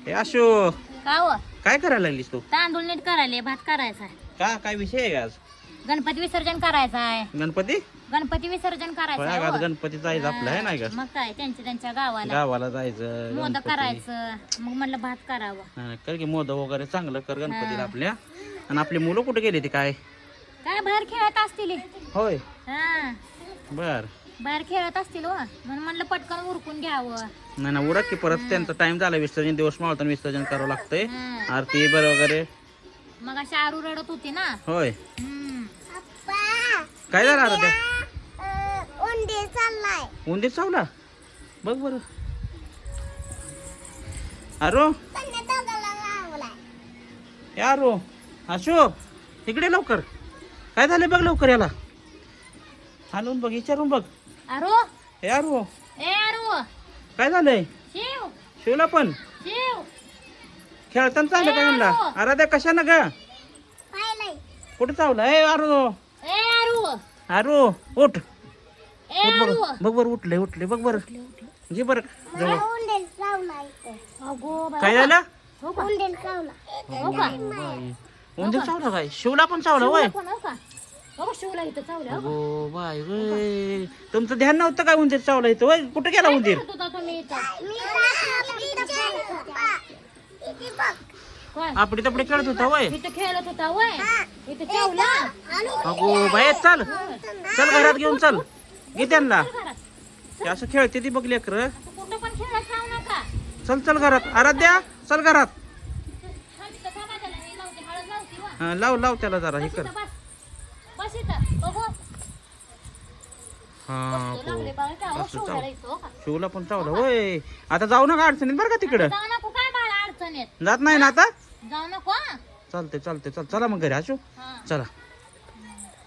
हे आशो का हो? काय करायला लागलीस तू? तांदूळ नीट करायले, भात करायचा आहे. का काय विषय आहे आज? गणपती विसर्जन करायचं आहे. गणपती गणपती विसर्जन करायचं होय, आहे, आज हो. गणपती जायचं आपलं आहे नाही का? मग काय त्यांच्या गावाला गावाला जायचं मोदक गणपती. करायचं, मग म्हणलं भात करावं. हा, कर की मोदक वगैरे चांगलं कर गणपतीला हा. आपल्या. आणि आपली मुलं कुठे गेली ती काय? काय बाहेर खेळत असतील हे. होय हा बर. बाहेर खेळत असतील हो, म्हणून म्हणलं पटकन उरकून घ्यावं. नाही ना उरक की परत त्यांचा टाइम झाला विसर्जन दिवस मावताना विसर्जन करावं लागतंय. हा. आरती बर वगैरे. मग अशी आरू रडत होती ना. होय हम्म. काय झालं आता? उंदीर चाललाय. उंदीर चावला बघ बर. अरो यारो आशो इकडे लवकर. काय झालं बघ लवकर याला. आणून बघ विचारून बघ. आरू यारो ए आरू काय झालंय? शिव शिवला पण शिव खेळताना चाललं का म्हणला? अरे त्या कशानं ग कुठे चावलं? ए आरो ए आरू आरो उठ ए उठ आरू. बघ. बघ बर उठले बघ बर. जी बर जवळ. अगो बाई. काय झालं? हो का? हो का? बाई. उंदीर चावला काय? शिवला पण चावला होय. शिवला पण हो का? हो शिवला इथं चावलं हो का? अगो बाय होय. तुमचं ध्यान नव्हतं काय उंदीर चावला इथं होय? कुठे गेला उंदीर? करत होता तुम्ही इथं? काय? आपडी तपडी खेळत होता होय. इथं खेळत होता वय इथं चावला. अगो बाय चल चल घरात घेऊन चल. घे त्यांना. घरात. ते असं खेळते ती बघ लेकर. कुठं पण खेळत जाऊ नका. चल चल घरात. आराध्या चल घरात. हा, तिथं थांबा त्याला. हे लावते, हळद लावते वा. हा, लाव त्याला जरा हे बस कर. इथं, बस. बस इथं. बघू. हा बसतो, लागले बाळ का? हो, असं शिवला चाव. इथं, हो का? शिवला पण चावला होय. आता जाऊ नका अडचणीत बरं का तिकडं. जाऊ नको काय बाळा अडचणीत. जात नाही ना आता? जाऊ नको हा. चालते चल चला मग घरी असू. हा. चला